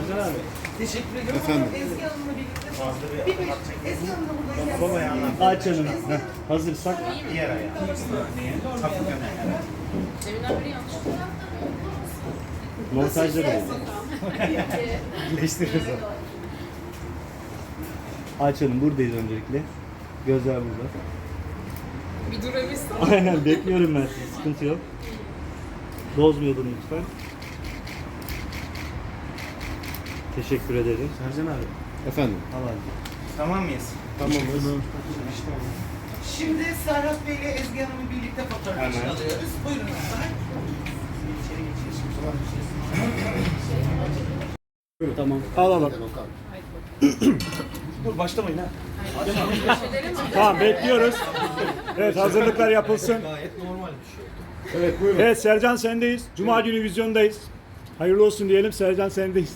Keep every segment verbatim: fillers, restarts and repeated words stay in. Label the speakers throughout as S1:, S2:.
S1: Sercan abi.
S2: Teşekkür ederim.
S3: Efendim?
S2: Ama Ezgi Hanım'la birlikte bir beş, Ezgi Hanım da buradayken.
S1: Aç canını. Heh, hazırsak.
S4: Diğer ayağı. Takıp yana.
S5: Deminden beri yanlış.
S1: Montajda da olur. Birleştiririz onu. Aç Hanım buradayız öncelikle. Gözler burada.
S5: Bir durabilsin.
S1: Aynen bekliyorum ben sizi. Sıkıntı yok. Bozmayalım lütfen. Teşekkür ederim.
S4: Sercan abi.
S3: Efendim?
S1: Al abi.
S4: Tamam mıyız?
S3: Tamamız.
S2: Şimdi Serhat Bey ile Ezgi Hanım'ı birlikte fotoğraf için alıyoruz. Buyurun lütfen.
S1: Tamam. Al al al.
S4: Dur başlamayın ha.
S6: Tamam bekliyoruz. Evet hazırlıklar yapılsın.
S4: Gayet normal bir şey.
S3: Evet buyurun.
S6: Evet Sercan sendeyiz. Cuma günü vizyondayız. Hayırlı olsun diyelim Sercan sendeyiz.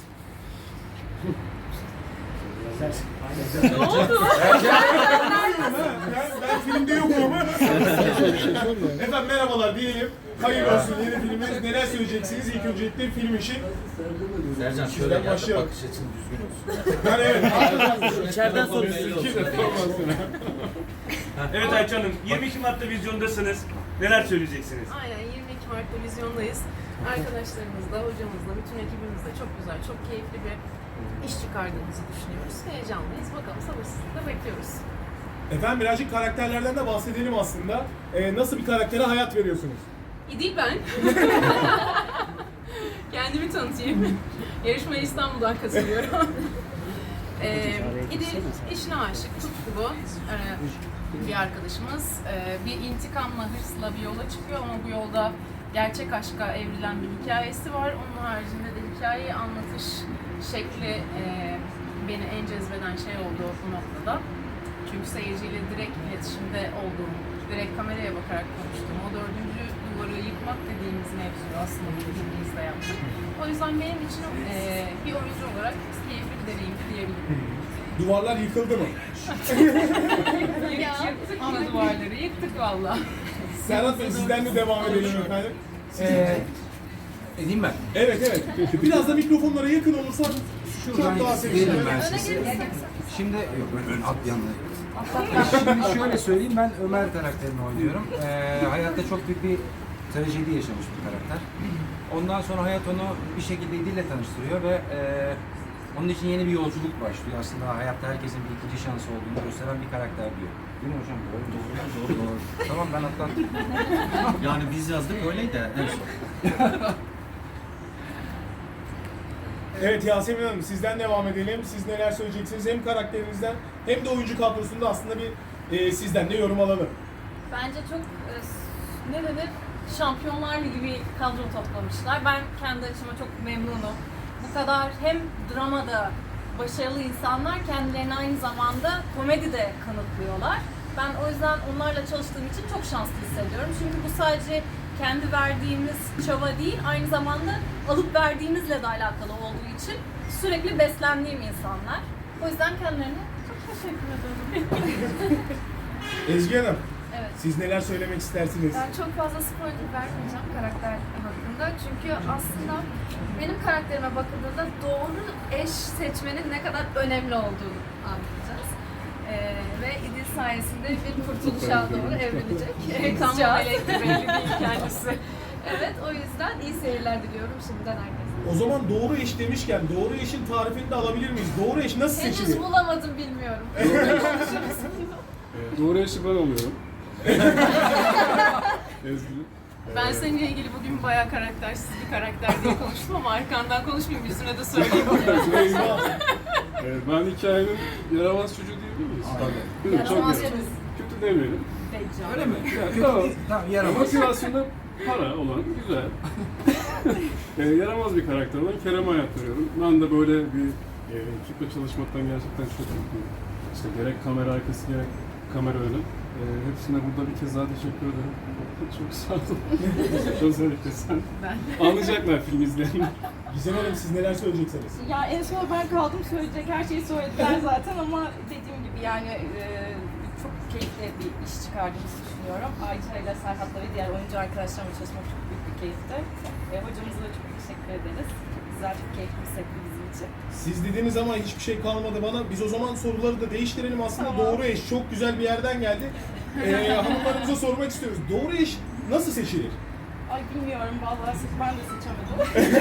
S7: Ben, ben filmde yokum ama. Efendim merhabalar diyelim. Hayırlı olsun yeni filmimiz. Neler söyleyeceksiniz ilk öncelikle film için?
S4: Sercan
S7: Şöyle
S4: şöyle gel de
S7: başlayalım.
S4: bakış açın düzgün olsun.
S7: Ben evet.
S4: İçeriden sonra düzgün olsun.
S8: Evet Ayça Hanım, yirmi iki Mart'ta vizyondasınız. Neler söyleyeceksiniz?
S5: Aynen yirmi iki Mart'ta vizyondayız. Arkadaşlarımızla, hocamızla, bütün ekibimizle çok güzel, çok keyifli bir iş çıkardığımızı düşünüyoruz. Heyecanlıyız. Bakalım sabırsızlıkla bekliyoruz.
S7: Efendim birazcık karakterlerden de bahsedelim aslında. Ee, nasıl bir karaktere hayat veriyorsunuz?
S5: İdil ben. Kendimi tanıtayım. Yarışmaya İstanbul'dan katılıyorum. ee, İdil işine aşık, tutkulu ee, bir arkadaşımız. Ee, bir intikamla, hırsla bir yola çıkıyor ama bu yolda gerçek aşka evrilen bir hikayesi var. Onun haricinde de hikayeyi anlatış şekli e, beni en cezbeden şey oldu bu noktada. Çünkü seyirciyle direkt iletişimde olduğum, direkt kameraya bakarak konuştuğum, o dördüncü duvarı yıkmak dediğimiz mevzuyu aslında bu filmimizde yaptık. O yüzden benim için e, bir oyuncu olarak keyifli bir deneyim diyebilirim.
S7: Duvarlar yıkıldı mı?
S5: Yık- yıktık mı duvarları? Yıktık valla.
S7: Serhat Bey sizden de devam edelim efendim.
S4: Ee, edeyim ben.
S7: Evet evet. Biraz da mikrofonlara yakın olursak
S4: Şuradan
S7: çok daha
S4: verelim
S7: sevinirim.
S4: ben size. Şimdi yok ön, ön at yanına. Şimdi şöyle söyleyeyim, ben Ömer karakterini oynuyorum. Ee, hayatta çok büyük bir trajedi yaşamış bir karakter. Ondan sonra hayat onu bir şekilde İdil'le tanıştırıyor ve e, onun için yeni bir yolculuk başlıyor. Aslında hayatta herkesin bir ikinci şansı olduğunu gösteren bir karakter diyor. Değil mi hocam? Doğru mu? Doğru, doğru, doğru. Tamam ben atlattım.
S9: Yani biz yazdık öyleydi en son.
S7: Evet Yasemin Hanım sizden devam edelim. Siz neler söyleyeceksiniz? Hem karakterinizden hem de oyuncu kadrosunda aslında bir e, sizden de yorum alalım.
S10: Bence çok e, ne denir Şampiyonlar Ligi bir kadro toplamışlar. Ben kendi açıma çok memnunum. Bu kadar hem dramada başarılı insanlar kendilerini aynı zamanda komedide kanıtlıyorlar. Ben o yüzden onlarla çalıştığım için çok şanslı hissediyorum. Çünkü bu sadece kendi verdiğimiz çaba değil, aynı zamanda alıp verdiğimizle de alakalı olduğu için sürekli beslendiğim insanlar. O yüzden kendilerine çok teşekkür ederim.
S7: Ezgi Hanım
S10: Evet.
S7: siz neler söylemek istersiniz?
S11: Ben çok fazla spoiler vermeyeceğim karakter hakkında. Çünkü aslında benim karakterime bakıldığında doğru eş seçmenin ne kadar önemli olduğunu anlayacağız. Ee, ve İdil sayesinde bir kurtuluşa doğru evrilecek.
S5: Tam
S11: Kızcağız.
S5: melek belli değil kendisi.
S11: Evet, o yüzden iyi seyirler diliyorum şimdiden herkese.
S7: O zaman doğru eş demişken doğru eşin tarifini de alabilir miyiz? Doğru eş nasıl
S11: Henüz
S7: seçilir?
S11: bulamadım bilmiyorum.
S3: Doğru eşi ben oluyorum. Ezgi.
S5: Ben seninle ilgili bugün bayağı karaktersiz bir karakter diye konuştum ama arkandan konuşmayayım, yüzüne de söyleyeyim.
S3: Evet, ben hikayenin yaramaz çocuğu diyebilir miyiz? Tabii. Çok
S11: Yaramaz
S3: kötü.
S11: çocuğu.
S3: Kötü demeyelim.
S4: Öyle mi?
S3: Yani, tamam.
S4: Tamam, yaramaz.
S3: Motivasyonda para olan güzel. e, yaramaz bir karakter olan Kerem'e hayat veriyorum. Ben de böyle bir e, ekiple çalışmaktan gerçekten çok mutluyum. İşte gerek kamera arkası gerek kamera önü. E, hepsine burada bir kez daha teşekkür ederim. Çok sağ olun. Özellikle sen.
S5: Ben.
S3: Anlayacaklar film izleyenler.
S7: Gizem Hanım siz neler söyleyeceksiniz?
S10: Ya en son ben kaldım, söyleyecek her şeyi söylediler zaten ama dediğim gibi yani e, çok keyifli bir iş çıkardığımızı düşünüyorum. Ayça ile Serhat'la ve diğer oyuncu arkadaşlarımla çalışmak çok büyük bir keyifti. E, hocamıza da çok teşekkür ederiz. güzel, çok keyifli bir setti bizim için.
S7: Siz dediğiniz ama hiçbir şey kalmadı bana. Biz o zaman soruları da değiştirelim. Aslında doğru eş çok güzel bir yerden geldi. Ee, hanımlarımıza sormak istiyoruz. Doğru eş nasıl seçilir?
S10: Ay bilmiyorum vallahi siz ben de seçemedim.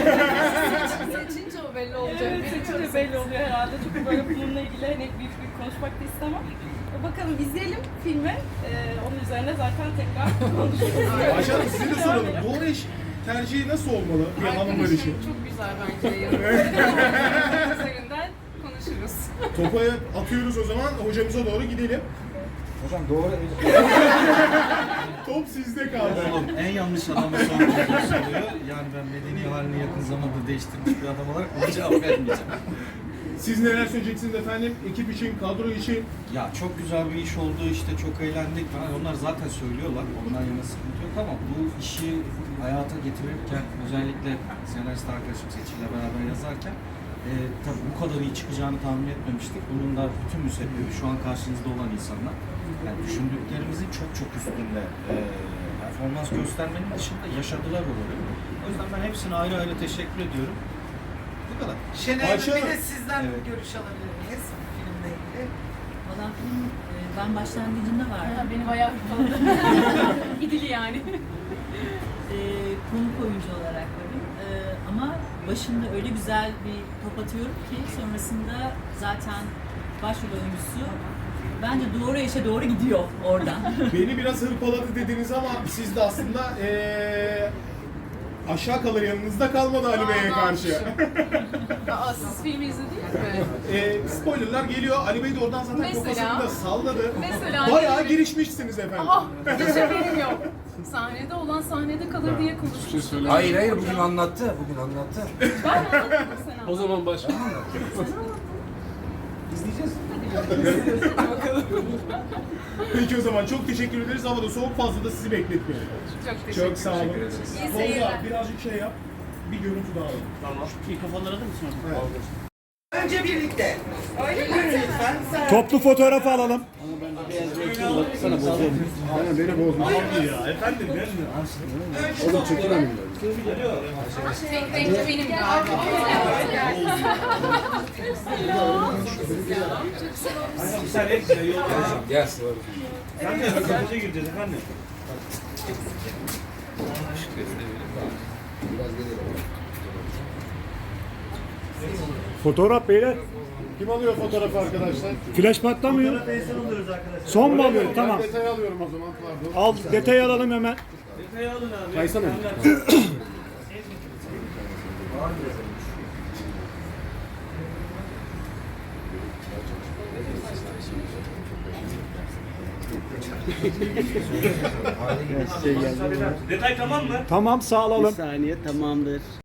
S5: Seçince o belli olacak.
S10: Evet, seçince belli oluyor herhalde. Çünkü böyle bununla ilgili hani büyük büyük konuşmak da istemem. E, Bakalım izleyelim filmi. Ee, onun üzerine zaten tekrar konuşuruz.
S7: Ayşe Hanım size de soralım. Doğru eş tercihi nasıl olmalı bir hanımlar için?
S5: Arkadaşım çok güzel bence yorumları. Üzerinden konuşuruz.
S7: Topu atıyoruz o zaman. Hocamıza doğru gidelim.
S4: Hocam doğru eş.
S7: Top sizde kaldı.
S9: Oğlum en yanlış adama sorduğunuz soruyor. Yani ben medeni halini yakın zamanda değiştirmiş bir adam olarak ona cevap vermeyeceğim.
S7: Siz neler söyleyeceksiniz efendim? Ekip için, kadro için.
S9: Ya çok güzel bir iş oldu işte çok eğlendik falan. Onlar zaten söylüyorlar. Ondan yana sıkıntı yok ama bu işi hayata getirirken özellikle senarist arkadaşım Seçil'le beraber yazarken e, tabii bu kadar iyi çıkacağını tahmin etmemiştik. Bunun da bütün müsebbibi şu an karşınızda olan insanlar. Yani düşündüklerimizin çok çok üstünde e, performans göstermenin dışında yaşadılar o rolü. O yüzden ben hepsine ayrı ayrı teşekkür ediyorum. Bu kadar.
S2: Şener
S7: Ayşe
S2: Hanım bir de
S7: Hanım.
S2: sizden
S9: Evet.
S2: görüş alabilir miyiz filmle ilgili?
S12: Valla film e, ben başlangıcında vardım.
S5: Ha, beni bayağı hırpaladı. İdili yani.
S12: E, konuk oyuncu olarak varım. E, ama başında öyle güzel bir top atıyorum ki sonrasında zaten başrol oyuncusu bence doğru eşe doğru gidiyor oradan.
S7: Beni biraz hırpaladı dediniz ama siz de aslında ee, aşağı kalır yanınızda kalmadı Ali Bey'e karşı.
S5: Aa, siz filmi izlediniz mi?
S7: e, spoilerlar geliyor. Ali Bey de oradan zaten
S5: Mesela?
S7: kafasını da salladı.
S5: Mesela
S7: Bayağı
S5: ne-
S7: girişmişsiniz efendim.
S5: Aa, hiç haberim yok. Sahnede olan sahnede kalır diye
S3: Hiçbir şey
S5: konuşmuştuk.
S3: söylemedim.
S4: Hayır hayır bugün anlattı. Bugün anlattı.
S5: Ben anlatmadım sen
S3: O zaman başla.
S4: İzleyeceğiz.
S7: Peki o zaman çok teşekkür ederiz. Havada soğuk, fazla da sizi bekletmeyelim.
S5: Çok teşekkür
S7: Çok sağ olun.
S5: İyi
S7: Tolga
S5: seyirler.
S7: birazcık şey yap. Bir görüntü daha alalım.
S8: Tamam. Mikrofonları da mı sonra?
S7: Evet.
S2: Önce birlikte. Öyle mi? Lütfen. Sen...
S6: Toplu fotoğrafı alalım.
S1: Aynen beni bozma.
S8: Ya efendim ben
S1: Oğlum çekemem.
S5: Tek renkli benim galiba.
S8: sen hep güzel yol
S4: Gel.
S8: Sen de röportaja gireceğiz efendim.
S6: Fotoğraf beyler.
S1: Kim alıyor fotoğrafı arkadaşlar?
S6: Flash patlamıyor.
S8: Fotoğraf insan oluyoruz arkadaşlar.
S6: Son mu alıyor? Tamam.
S1: Detay alıyorum o zaman. Pardon.
S6: Al detayı alalım hemen.
S8: Detayı alın abi.
S1: Kaysana.
S8: Detay tamam mı?
S6: Tamam sağ alalım.
S13: saniye tamamdır.